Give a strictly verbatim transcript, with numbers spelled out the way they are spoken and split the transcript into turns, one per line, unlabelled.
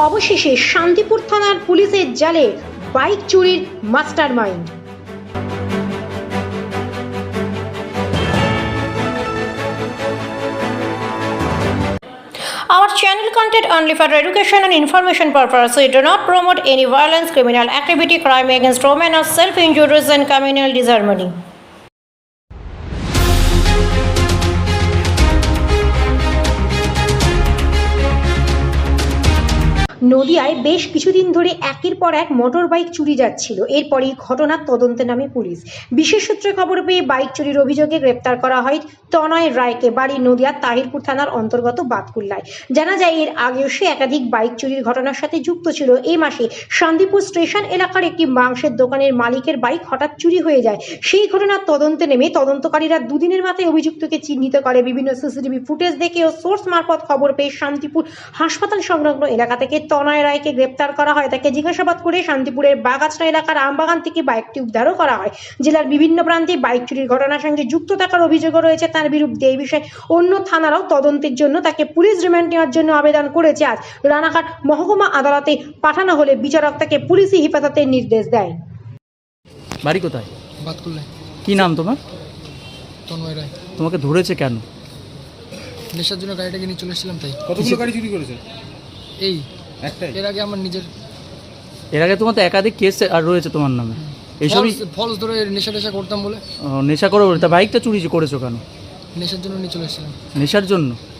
অবশেষে শান্তিপুর থানার পুলিশের জালে বাইক চুরির mastermind. Our channel content only for education and information purpose. We do not promote any violence, criminal activity, crime against women, or self-injuries and communal disharmony. নদিয়ায় বেশ কিছুদিন ধরে একের পর এক মোটর বাইক চুরি যাচ্ছিল। এরপরই ঘটনার তদন্তে নামে পুলিশ। বিশেষ সূত্রে খবর পেয়ে বাইক চুরির অভিযোগে গ্রেপ্তার করা হয় তনয় রায়কে। বাড়ি নদিয়ার তাহিরপুর থানার অন্তর্গত বাতকুল্লায়। জানা যায় এর আগেও সে একাধিক বাইক চুরির ঘটনার সাথে যুক্ত ছিল। এই মাসে শান্তিপুর স্টেশন এলাকার একটি মাংসের দোকানের মালিকের বাইক হঠাৎ চুরি হয়ে যায়। সেই ঘটনার তদন্তে নেমে তদন্তকারীরা দুদিনের মাথায় অভিযুক্তকে চিহ্নিত করে। বিভিন্ন সিসিটিভি ফুটেজ দেখে ও সোর্স মারফত খবর পেয়ে শান্তিপুর হাসপাতাল সংলগ্ন এলাকা থেকে তনয় রায়কে গ্রেপ্তার করা হয়। তাকে জিজ্ঞাসাবাদ করে শান্তিপুরের বাগাছড়া এলাকার আমবাগান থেকে বাইকটি উদ্ধারও করা হয়। জেলার বিভিন্ন প্রান্তে বাইক চুরির ঘটনার সঙ্গে যুক্ত থাকার অভিযোগও রয়েছে তার বিরুদ্ধে। এই বিষয়ে অন্য থানারাও তদন্তের জন্য তাকে পুলিশ রিমান্ড নেওয়ার জন্য আবেদন করেছে। আজ রানাঘাট মহকুমা আদালতে পাঠানো হলে বিচারক তাকে পুলিশি হেফাজতের নির্দেশ দেয়।
বাড়ি কোথায়?
বাতকুল্লায়।
কি নাম তোমার?
তন্ময় রায়।
তোমাকে ধরেছে কেন?
নেশার জন্য গাড়িটাকে নিয়ে চলে এসেছিলাম তাই।
কতগুলো গাড়ি চুরি করেছে?
এই
একটাই?
এর আগে আমার নিজের
এর আগে তোমার তো একাধিক কেস আর রয়েছে তোমার নামে। এইসবই
ফলস ধরে নেশা টেশা করতাম বলে
ও, নেশা করো বলে তা বাইকটা চুরি করেছো কেন?
নেশার জন্য নিয়ে চলে এসেছিলাম।
নেশার জন্য?